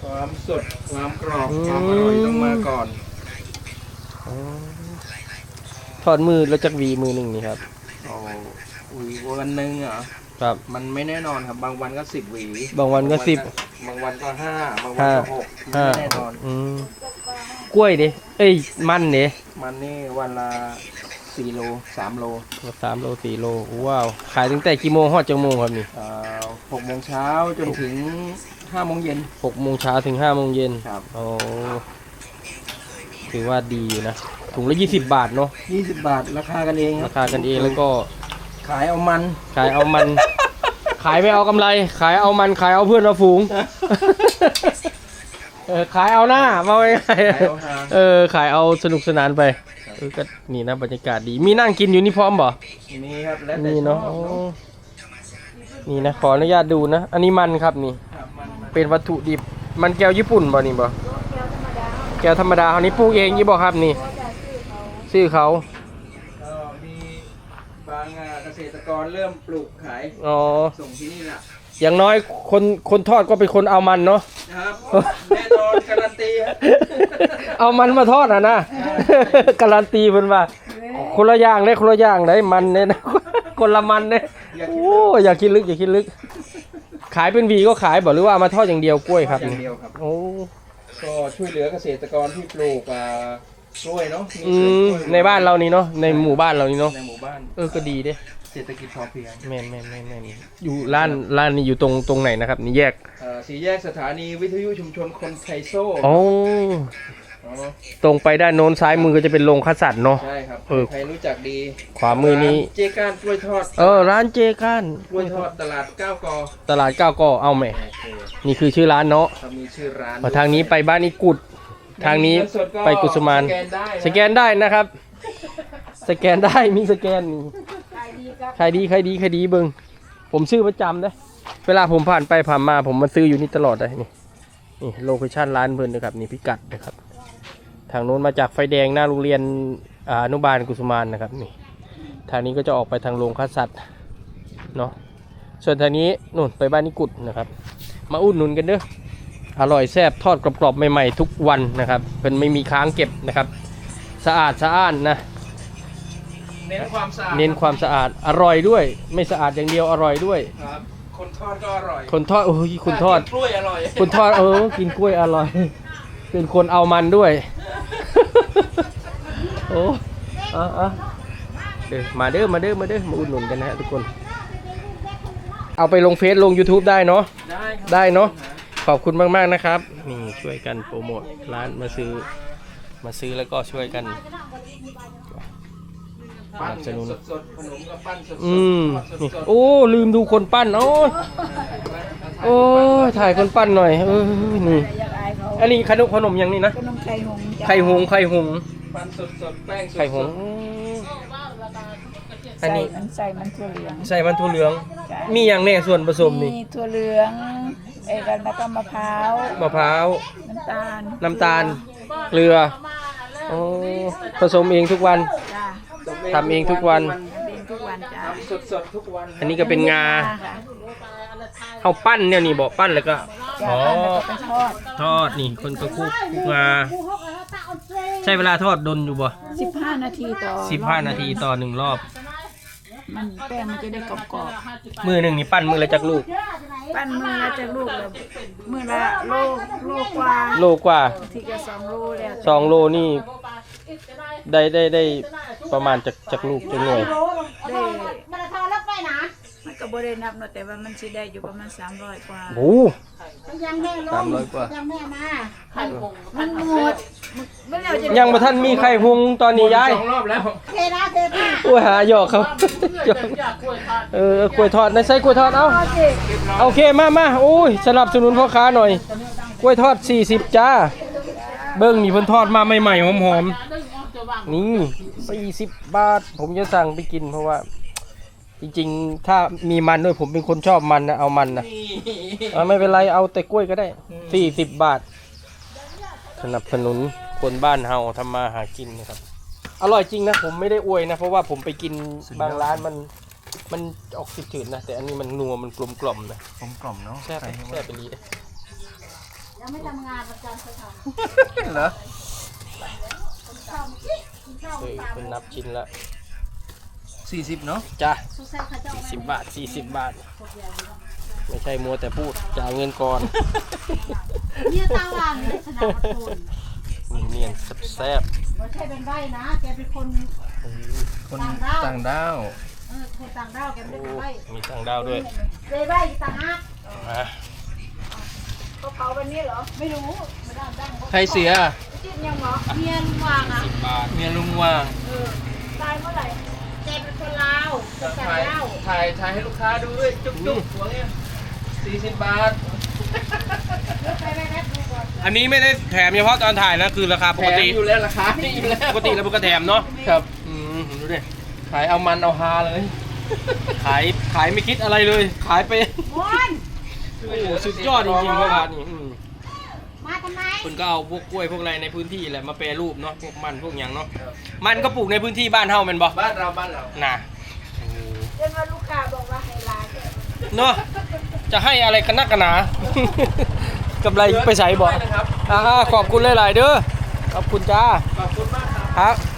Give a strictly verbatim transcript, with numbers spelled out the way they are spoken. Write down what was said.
ความสดความกรอบความอร่อยต้องมาก่อนทอดมือแล้วจักวีมือหนึ่งนี่ครับโอ้อุ้ยวันหนึ่งเหรอครับมันไม่แน่นอนครับบางวันก็สิบหวีบางวันก็สิบบางวันก็ห้าบางวันก็หกไม่แน่นอนกล้วยดิเอ้ยมันดิมันนี่วันละสี่โลสามโลสามโลสี่โลว้าวขายตั้งแต่กี่โมงฮอดจังโมงครับนี่หกโมงเช้าจนถึงห้าโมงเย็นหกโมงเช้าถึงห้าโมงเย็นครับโอ้ถือว่าดีอยู่นะถุงละยี่สิบบาทเนาะยี่สิบบาทราคากันเองราคากันเองแล้วก็ขายเอามันขายเอามันขายไม่เอากำไรขายเอามันขายเอาเพื่อนเอาฝูงเออขายเอาหน้ามาไว้เออขายเอาสนุกสนานไปเออก็นี่นะบรรยากาศดีมีนั่งกินอยู่นี่พร้อมบ่มีครับแล้วนี่เนาะนี่นะขออนุญาตดูนะอันนี้มันครับนี่เป็นวัตถุดิบมันแก้วญี่ปุ่นบ่นี่บ่แก้วธรรมดาเขานี้ปลูกเองยี่บ่ครับนี่ซื้อเขาก็มีบางเกษตรกรเริ่มปลูกขายอ๋อส่งที่นี่แหละอย่างน้อยคนคนทอดก็เป็นคนเอามันเนาะครับแน่นอนการันตีเอามันมาทอดอ่ะนะการันตีเพิ่นว่าคนละอย่างได้คนละอย่างได้มันเนี่ยนะคนละมันเนี่ยโอ้อย่าคิดลึกอย่าคิดลึกขายเป็นวีก็ขายบอกหรือว่ามาทอดอย่างเดียวกล้วยครับอย่างเดียวครับโอ้ก็ช่วยเหลือเกษตรกรที่ปลูกกล้วยเนาะในบ้านเรานี่เนาะในหมู่บ้านเรานี่เนาะในหมู่บ้านเออก็ดีเด้เศรษฐกิจพอเพียงแม่นแม่นแม่นแม่นอยู่ร้านร้านนี้อยู่ตรงตรงไหนนะครับนี่แยกสี่แยกสถานีวิทยุชุมชนคนไทโซ่โอ้ตรงไปด้านโน้นซ้ายมือก็จะเป็นโรงคัดสัตว์เนาะใช่ครับใครรู้จักดีขวามือนี้เจก้านกล้วยทอดเออร้านเจก้านกล้วยทอดตลาดเก้ากอตลาดเก้ากอเอาไหมนี่คือชื่อร้านเนาะมีชื่อร้านทางนี้ไปบ้านอีกุดทางนี้ไปกุสุมานสแกนได้นะครับสแกนได้มีสแกนนี่ใครดีใครดีใครดีเบิ้งผมซื้อประจำนะเวลาผมผ่านไปผ่านมาผมมาซื้ออยู่นี่ตลอดเลยนี่นี่โลเคชั่นร้านเพิ่นนะครับนี่พิกัดนะครับทางโน้นมาจากไฟแดงหน้าโรงเรียนอนุบาลกุสุมานนะครับนี่ทางนี้ก็จะออกไปทางโรงฆ่าสัตว์เนาะส่วนทางนี้นู่นไปบ้านนิกุดนะครับมาอุดหนุนกันเด้ออร่อยแซ่บทอดกรอบๆใหม่ๆทุกวันนะครับเพิ่นไม่มีค้างเก็บนะครับสะอาดสะอ้านนะเน้นความสะอาดเน้นความสะอาดอร่อยด้วยไม่สะอาดอย่างเดียวอร่อยด้วยครับคนทอดก็อร่อยคนทอดโอ้ยคนทอดกล้วยอร่อยคนทอดเออกินกล้วยอร่อยเป็นคนเอามันด้วยโอ้อ่ะอ่ะเด้อมาเด้อมาเด้อมาเด้อมาอุดหนุนกันนะฮะทุกคนเอาไปลงเฟซลง YouTube ได้เนาะได้ได้เนาะขอบคุณมากๆนะครับนี่ช่วยกันโปรโมทร้านมาซื้อมาซื้อแล้วก็ช่วยกันปั้นสนุนสดขนมกับปั้นสดอืมโอ้ลืมดูคนปั้นโอ้โอ้ถ่ายคนปั้นหน่อยเออนี่อันนี้ขนมขนมยังนี่นะขนมไข่หงไข่หงไข่หงปั้นสดสดแป้งไข่หงอันนี้ใส่มันถั่วเหลืองใส่มันถั่วเหลืองมีอย่างแน่ส่วนผสมนี่มีถั่วเหลืองไอ้กันแล้วก็มะพร้าวมะพร้าวน้ำตาลน้ำตาลเกลือโอ้ผสมเองทุกวันทำเองทุกวันทุกวันจ้าสดสดทุกวันอันนี้ก็เป็นงาเอาปั้นเนี่ยนี่บอกปั้นแล้วก็อ๋อทอดนี่คนก็คลุกงาใช้เวลาทอดดนอยู่บ่สิบห้านาทีต่อสิบห้านาทีต่อหนึ่งรอบมันแป้งมันจะได้กรอบๆมือหนึ่งนี่ปั้นมือละจักลูกปั้นมือละจักลูกเลยมือละโลโลกว่าโลกว่าทีก็สองโลแล้วสองโลนี่ได้ได้ได้ประมาณจากจากลูกจากหน่วยได้มันทอแล้วไปนะมันก็บ่ได้นับเนาะแต่ว่ามันสิได้อยู่ประมาณสามร้อยกว่าโอ้ยังแม่ลงสามร้อยกว่ายังแม่มามันหมดยังมาท่านมีไข่หุงตอนนี้ยายสองรอบแล้วเทนะเทนะโอ้ยหาหยอกเขาเออกล้วยทอดในไส้กล้วยทอดเอาโอเคมามาโอ้ยสนับสนุนพ่อค้าหน่อยกล้วยทอดสี่สิบจ้าเบิ้งนี่เพิ่นทอดมาใหม่ๆหอมๆนี่สี่สิบบาทผมจะสั่งไปกินเพราะว่าจริงๆถ้ามีมันด้วยผมเป็นคนชอบมันนะเอามันนะไม่เป็นไรเอาแต่กล้วยก็ได้สี่สิบบาทสนับสนุนคนบ้านเฮาทำมาหากินนะครับอร่อยจริงนะผมไม่ได้อวยนะเพราะว่าผมไปกินบางร้านมันมันออกจืดๆนะแต่อันนี้มันนัวมันกลมกล่อมนะกลมกล่อมเนาะแซ่บแซ่บไปเลยไม่ทำงานประจำเขาทเหรอำข้าวกินข้าวเฮ้ยตามเป็นนับชิ้นละสี่สิบเนาะจ้ะสุดแซ่บเขาจะสี่เอาสิบบาทสี่สิบบาทพวกเดียวอยู่ไม่ใช่มัวแต่พูดจ่ายเงินก่อนเนี่ยตาว่างเนี่ยสนามประตูนเนียนๆแซ่บไม่ใช่เป็นใบนะ แกเป็นคนคนต่างด้าวต่างด้าวเออคนต่างด้าวแกๆไม่โอ้ได้เป็นใบมีทางดาวด้วยเลยใบต่างหากอ่ะเขาเผาวันนี้เหรอ ไม่รู้ไม่ได้ดังใครเสียจิ้มยังเหรอเมียลุงวางอ่ะสิบบาทเมียลุงว่างเออตายเมื่อไหร่แกเป็นคนลาวคนต่างถ่ายด้าวถ่ายถ่ายให้ลูกค้าดูด้วย จุ๊บจุ๊บหัวเนี่ยสี่สิบบาทไปไปแป๊บนึงก่อนอันนี้ไม่ได้แถมเฉพาะตอนถ่ายนะคือราคาปแถกมติอยู่แล้วราคานี่อยู่แล้วปกติแล้วมันก็แถมเนาะครับอืมดูดิขายเอามันเอาฮาเลยขายขายไม่คิดอะไรเลย ขายไปมอนโอ้โหสุดยอดจริงๆครับร้านนี้อืมมาทำไมคุณก็เอาพวกกล้วยพวกอะไรในพื้นที่แหละมาแปรรูปเนาะพวกมันพวกอย่างเนาะมันก็ปลูกในพื้นที่บ้านเฮาแมันบ่บ้านเราบ้านเราน่ะเดินมาลูกค้าบอกว่าให้ลาแกเนาะจะให้อะไรกันนักกันหนา กำไรไปใส่บ่นะครับอ่าขอบคุณหลายๆเด้อขอบคุณจ้าขอบคุณมากครับครับ